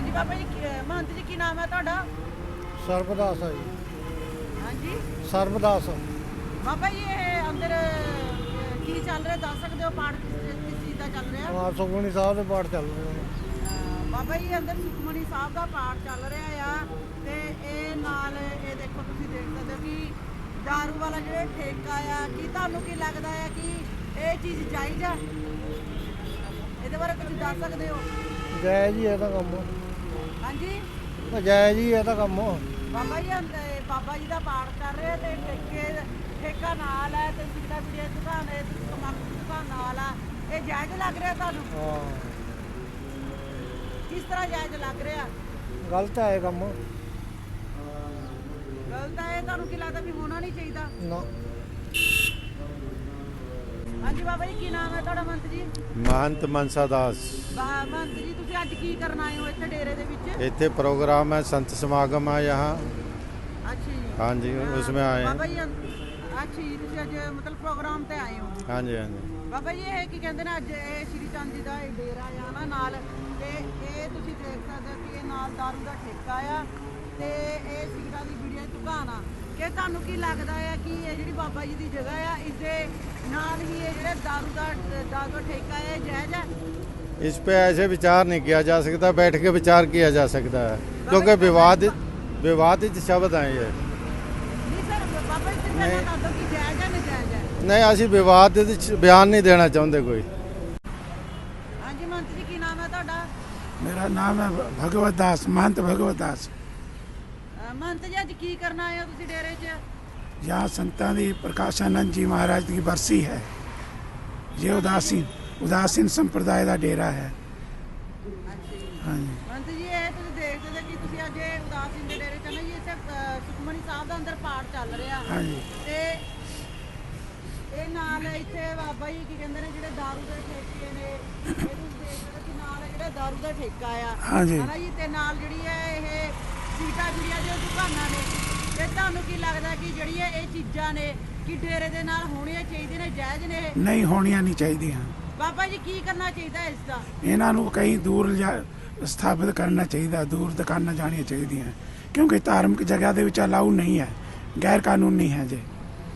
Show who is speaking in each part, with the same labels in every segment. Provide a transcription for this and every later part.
Speaker 1: ਹਾਂਜੀ ਬਾਬਾ ਜੀ ਮਹੰਤ ਜੀ ਕੀ ਨਾਮ ਹੈ ਤੁਹਾਡਾ?
Speaker 2: ਸਰਬਦਾਸ ਹੈ ਜੀ।
Speaker 1: ਹਾਂਜੀ
Speaker 2: ਸਰਬਦਾਸ
Speaker 1: ਬਾਬਾ ਜੀ ਇਹ ਅੰਦਰ ਕੀ ਚੱਲ ਰਿਹਾ ਦੱਸ ਸਕਦੇ ਹੋ? ਪਾਠ ਕਿਸ ਚੀਜ਼ ਦਾ ਚੱਲ ਰਿਹਾ?
Speaker 2: ਹਾਂ ਸੁਖਮਨੀ ਸਾਹਿਬ ਦੇ ਪਾਠ ਚੱਲ ਰਹੇ ਨੇ।
Speaker 1: ਬਾਬਾ ਜੀ ਅੰਦਰ ਸੁਖਮਨੀ ਸਾਹਿਬ ਦਾ ਪਾਠ ਚੱਲ ਰਿਹਾ ਆ ਤੇ ਇਹ ਨਾਲ ਇਹ ਦੇਖੋ ਤੁਸੀਂ ਦੇਖ ਸਕਦੇ ਹੋ ਕਿ ਦਾਰੂ ਵਾਲਾ ਜਿਹੜਾ ਠੇਕਾ ਆ, ਕੀ ਤੁਹਾਨੂੰ ਕੀ ਲੱਗਦਾ ਹੈ ਕਿ ਇਹ ਚੀਜ਼ ਜਾਇਜ਼ ਆ? ਇਹਦੇ ਬਾਰੇ ਕੁਝ ਦੱਸ ਸਕਦੇ ਹੋ?
Speaker 2: ਜੈ ਜੀ ਇਹ ਤਾਂ ਕੰਮ
Speaker 1: ਹਾਂਜੀ
Speaker 2: ਜੈ ਜੀ ਇਹ ਤਾਂ ਕੰਮ
Speaker 1: ਬਾਬਾ ਜੀ ਬਾਬਾ ਜੀ ਦਾ ਪਾਠ ਕਰ ਰਹੇ ਤੇ ਠੇਕਾ ਨਾਲ ਹੈ ਤੇ ਸਿੱਧਾ ਵੀਡੀਓ ਦੁਕਾਨ ਹੈ, ਤੰਬਾਕੂ ਦੀ ਦੁਕਾਨ ਨਾਲ ਆ, ਇਹ ਜਾਇਜ਼ ਲੱਗ ਰਿਹਾ ਤੁਹਾਨੂੰ?
Speaker 2: ਹਾਂ
Speaker 1: ਕਿਸ ਤਰ੍ਹਾਂ ਜਾਇਜ਼ ਲੱਗ ਰਿਹਾ?
Speaker 2: ਗਲਤ ਹੈ ਇਹ ਕੰਮ
Speaker 1: ਗਲਤ ਹੈ? ਤੁਹਾਨੂੰ ਕੀ ਲੱਗਦਾ ਵੀ ਹੋਣਾ ਨਹੀਂ ਚਾਹੀਦਾ?
Speaker 2: ਨਾ।
Speaker 1: ਹਾਂਜੀ ਬਾਬਾ ਜੀ ਕੀ ਨਾਮ ਹੈ ਤੁਹਾਡਾ ਮਹੰਤ ਜੀ?
Speaker 3: महंत मनसा दास।
Speaker 1: ਮਹੰਤ ਜੀ ਤੁਸੀਂ ਅੱਜ ਕੀ ਕਰਨ ਆਏ ਹੋ ਇੱਥੇ ਡੇਰੇ ਦੇ ਵਿੱਚ?
Speaker 3: इतने प्रोग्राम है, संत समागम है यहाँ।
Speaker 1: ਅੱਛਾ ਜੀ
Speaker 3: हाँ जी, उसमें आए
Speaker 1: ਬਾਬਾ
Speaker 3: हैं।
Speaker 1: ਜੀ ਅੱਛਾ ਜੀ ਤੁਸੀਂ ਅੱਜ ਮਤਲਬ ਪ੍ਰੋਗਰਾਮ ਤੇ ਆਏ ਹੋ?
Speaker 3: हाँ जी, हाँ जी।
Speaker 1: ਬਾਬਾ ਜੀ ਇਹ ਕੀ ਕਹਿੰਦੇ ਨੇ ਅੱਜ ਇਹ ਸ਼੍ਰੀ ਚੰਦ ਜੀ ਦਾ ਇਹ ਡੇਰਾ ਆ ਨਾ ਨਾਲ ਤੇ ਇਹ ਤੁਸੀਂ ਦੇਖ ਸਕਦੇ ਹੋ ਕਿ ਇਹ ਨਾਲ ਦਾਰੂ ਦਾ ਠੇਕਾ ਆ ਤੇ ਇਹ ਸਿਗਰਟਾਂ ਦੀ ਬੀੜੀਆਂ ਦੀ ਦੁਕਾਨ ਆ। ਕਿ ਤੁਹਾਨੂੰ ਕੀ ਲੱਗਦਾ ਹੈ ਕਿ ਇਹ ਜਿਹੜੀ ਬਾਬਾ ਜੀ ਦੀ ਜਗ੍ਹਾ ਆ ਇਸਦੇ ਨਾਲ ਹੀ ਇਹ ਜਿਹੜਾ ਦਾਰੂ ਦਾ ਠੇਕਾ ਹੈ ਇਹ ਜਾਇਜ਼ ਹੈ?
Speaker 3: इस पे ऐसे विचार नहीं किया जा सकता, बैठ के विचार किया जा सकता है, क्योंकि विवादित शब्द हैं ये।
Speaker 1: ਨਹੀਂ ਸਰ ਬਾਬਾ ਜੀ ਤੁਸੀਂ
Speaker 3: ਨਹੀਂ।
Speaker 1: ਦੱਸ ਦਿਓ ਕਿ ਜਾਇਜ਼ ਹੈ ਨਜਾਇਜ਼ ਹੈ?
Speaker 3: नहीं, असी विवादित बयान नहीं देना चाहते कोई।
Speaker 1: ਹਾਂਜੀ ਮਹੰਤ ਜੀ ਕੀ ਨਾਮ ਹੈ ਤੁਹਾਡਾ?
Speaker 4: मेरा नाम है भगवत दास, महंत भगवत दास।
Speaker 1: ਮਹੰਤ ਜੀ ਅੱਜ ਕੀ ਕਰਨ ਆਏ ਹੋ ਤੁਸੀਂ ਡੇਰੇ 'ਚ?
Speaker 4: यहाँ संतां दी प्रकाशानंद जी महाराज की बरसी है। ये उदासीन संप्रदाय का डेरा है। हाँ जी।
Speaker 1: ਮਹੰਤ ਜੀ ਇਹ ਤੁਸੀਂ ਦੇਖ ਸਕਦੇ ਕਿ ਤੁਸੀਂ ਅੱਜ ਇਹ ਉਦਾਸੀਨ ਦੇ ਡੇਰੇ 'ਚ ਨਾ ਜੀ ਇੱਥੇ ਸੁਖਮਨੀ ਸਾਹਿਬ ਦਾ ਅੰਦਰ ਪਾਠ ਚੱਲ ਰਿਹਾ
Speaker 4: हाँ जी।
Speaker 1: ਤੇ ਇਹ ਨਾਲ ਇੱਥੇ ਬਾਬਾ ਜੀ ਕੀ ਕਹਿੰਦੇ ਨੇ ਜਿਹੜੇ ਦਾਰੂ ਦੇ ਠੇਕੇ ਨੇ ਇਹ ਤੁਸੀਂ ਦੇਖ ਸਕਦੇ ਕਿ ਨਾਲ ਜਿਹੜਾ ਦਾਰੂ ਦਾ ਠੇਕਾ ਆ
Speaker 4: ਹਾਂਜੀ।
Speaker 1: ਹਨਾ ਜੀ ਤੇ ਨਾਲ ਜਿਹੜੀ ਹੈ ਇਹ ਸੀਟਾਂ ਵੀੜੀਆਂ ਦੀਆਂ ਦੁਕਾਨਾਂ ਨੇ ਤੇ ਤੁਹਾਨੂੰ ਕੀ ਲੱਗਦਾ ਕਿ ਜਿਹੜੀਆਂ ਇਹ ਚੀਜ਼ਾਂ ਨੇ ਕਿ ਡੇਰੇ ਦੇ ਨਾਲ ਹੋਣੀਆਂ ਚਾਹੀਦੀਆਂ ਨੇ, ਜਾਇਜ਼ ਨੇ ਇਹ?
Speaker 4: नहीं होनिया नहीं चाहिए।
Speaker 1: ਬਾਬਾ ਜੀ ਕੀ ਕਰਨਾ ਚਾਹੀਦਾ ਇਸ ਦਾ?
Speaker 4: इन्हां नूं कहीं दूर स्थापित करना चाहिए, दूर दुकाना जानिया चाहिए, क्योंकि धार्मिक जगह दे विच अलाउ नहीं है, गैर कानूनी है जे।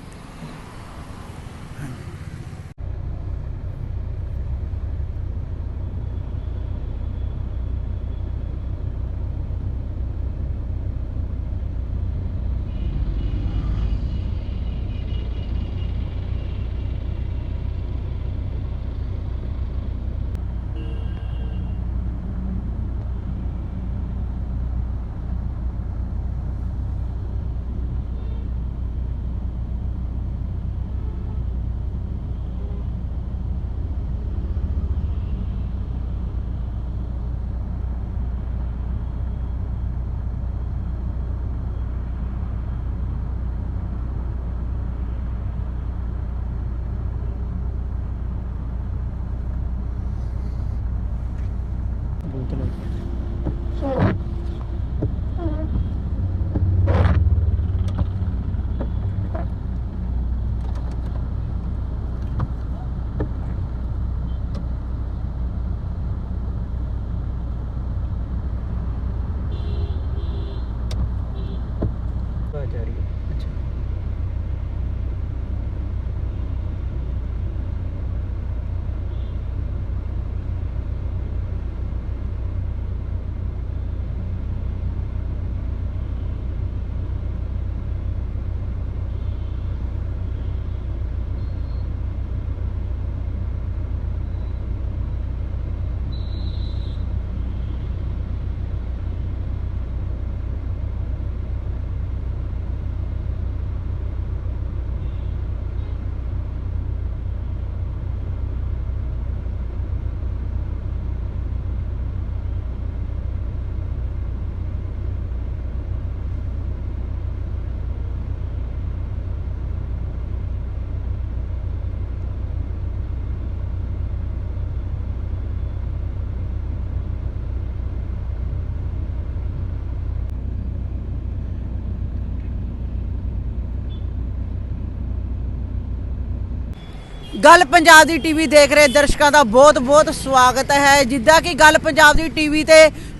Speaker 1: ਗੱਲ ਪੰਜਾਬ ਦੀ ਟੀਵੀ ਦੇਖ ਰਹੇ ਦਰਸ਼ਕਾਂ ਦਾ ਬਹੁਤ-ਬਹੁਤ ਸਵਾਗਤ ਹੈ। ਜਿੱਦਾਂ ਕਿ ਗੱਲ ਪੰਜਾਬ ਦੀ ਟੀਵੀ ਤੇ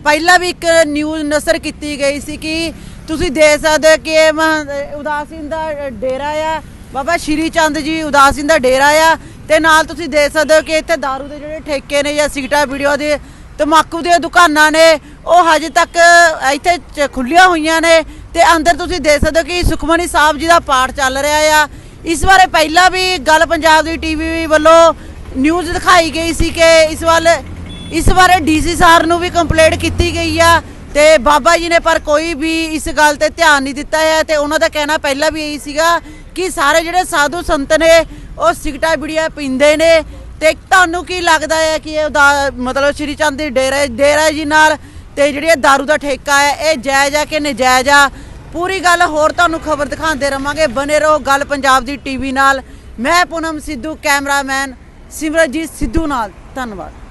Speaker 1: ਪਹਿਲਾਂ ਵੀ ਇੱਕ ਨਿਊਜ਼ ਨਸ਼ਰ ਕੀਤੀ ਗਈ ਸੀ ਕਿ ਤੁਸੀਂ ਦੇਖ ਸਕਦੇ ਹੋ ਕਿ ਇਹ ਉਦਾਸੀਨ ਦਾ ਡੇਰਾ ਆ, ਬਾਬਾ ਸ਼੍ਰੀ ਚੰਦ ਜੀ ਉਦਾਸੀਨ ਦਾ ਡੇਰਾ ਆ। ਤੇ ਨਾਲ ਤੁਸੀਂ ਦੇਖ ਸਕਦੇ ਹੋ ਕਿ ਇੱਥੇ ਦਾਰੂ ਦੇ ਜਿਹੜੇ ਠੇਕੇ ਨੇ ਜਾਂ ਸਿਗਰਟਾਂ ਵੀਡੀਓ ਦੇ ਤੰਬਾਕੂ ਦੀਆਂ ਦੁਕਾਨਾਂ ਨੇ ਉਹ ਹਜੇ ਤੱਕ ਇੱਥੇ ਖੁੱਲੀਆਂ ਹੋਈਆਂ ਨੇ। ਤੇ ਅੰਦਰ ਤੁਸੀਂ ਦੇਖ ਸਕਦੇ ਹੋ ਕਿ ਸੁਖਮਨੀ ਸਾਹਿਬ ਜੀ ਦਾ ਪਾਠ ਚੱਲ ਰਿਹਾ ਆ। ਇਸ ਬਾਰੇ ਪਹਿਲਾਂ ਵੀ ਗੱਲ ਪੰਜਾਬ ਦੀ ਟੀਵੀ ਵੱਲੋਂ ਨਿਊਜ਼ ਦਿਖਾਈ ਗਈ ਸੀ ਕਿ ਇਸ ਬਾਰੇ ਡੀਸੀ ਸਾਹਿਬ ਨੂੰ ਵੀ ਕੰਪਲੇਂਟ ਕੀਤੀ ਗਈ ਆ ਤੇ ਬਾਬਾ ਜੀ ਨੇ ਪਰ ਕੋਈ ਵੀ ਇਸ ਗੱਲ ਤੇ ਧਿਆਨ ਨਹੀਂ ਦਿੱਤਾ ਹੈ। ਤੇ ਉਹਨਾਂ ਦਾ ਕਹਿਣਾ ਪਹਿਲਾਂ ਵੀ ਇਹੀ ਸੀਗਾ ਕਿ ਸਾਰੇ ਜਿਹੜੇ ਸਾਧੂ ਸੰਤ ਨੇ ਉਹ ਸਿਗਰਟਾਂ ਬੀੜੀਆਂ ਪੀਂਦੇ ਨੇ। ਤੇ ਤੁਹਾਨੂੰ ਕੀ ਲੱਗਦਾ ਹੈ ਕਿ ਇਹ ਮਤਲਬ ਸ਼੍ਰੀ ਚੰਦ ਦੀ ਡੇਰਾ ਜੀ ਨਾਲ ਤੇ ਜਿਹੜੀ ਇਹ ਦਾਰੂ ਦਾ ਠੇਕਾ ਹੈ ਇਹ ਜਾਇਜ਼ ਆ ਕਿ ਨਜਾਇਜ਼ ਆ? ਪੂਰੀ ਗੱਲ ਹੋਰ ਤੁਹਾਨੂੰ ਖਬਰ ਦਿਖਾਉਂਦੇ ਰਵਾਂਗੇ। ਬਨੇ ਰਹੋ ਗੱਲ ਪੰਜਾਬ ਦੀ ਟੀਵੀ ਨਾਲ। ਮੈਂ ਪੂਨਮ ਸਿੱਧੂ, ਕੈਮਰਾਮੈਨ ਸਿਮਰਜੀਤ ਸਿੱਧੂ ਨਾਲ। ਧੰਨਵਾਦ।